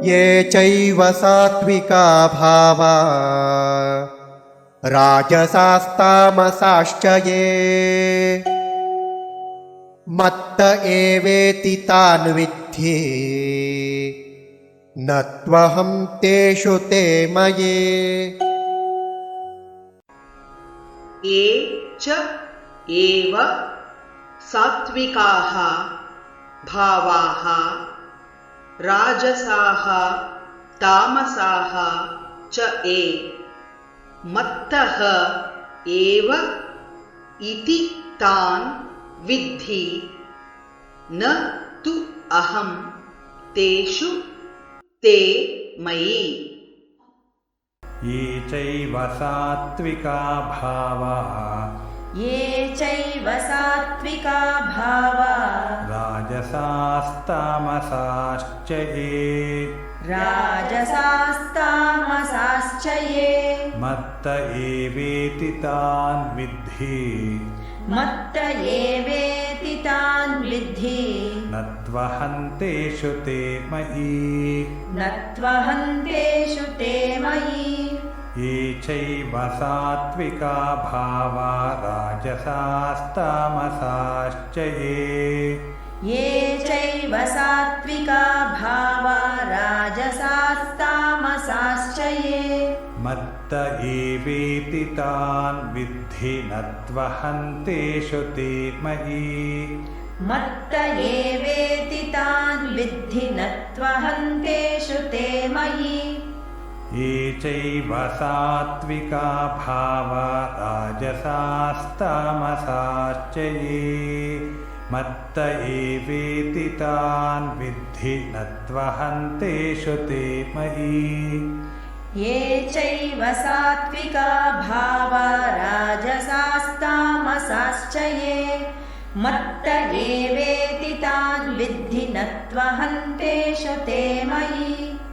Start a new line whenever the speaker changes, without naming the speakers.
ये चैव सात्विका भावा राजसास्तामसाश्च ये मत्त एवेति तान् विद्धि न त्वहं तेषु ते मयि।
ये च एव सात्विकाः भावाः राजसाः तामसाः च ये मत्तः एव इति तान् विद्धि न तु अहं तेषु ते मयि।
ये चैव सात्विका भावा राजसास्तामसाश्च ये मत्त एवेति तान् विद्धि न त्वहं तेषु ते मयि। ये चैव सात्विका भावा राजसास्तामसाश्च ये मत्त एवेति तान् विद्धि न त्वहं तेषु ते मयि। ये चैव सात्विका भावा राजसास्तामसाश्च ये मत्त एवेति तान् विद्धि न त्वहं तेषु ते मयि।
ये चैव सात्विका भावा राजसास्तामसाश्च ये मत्त एवेति तान् विद्धि न त्वहं तेषु ते मयि।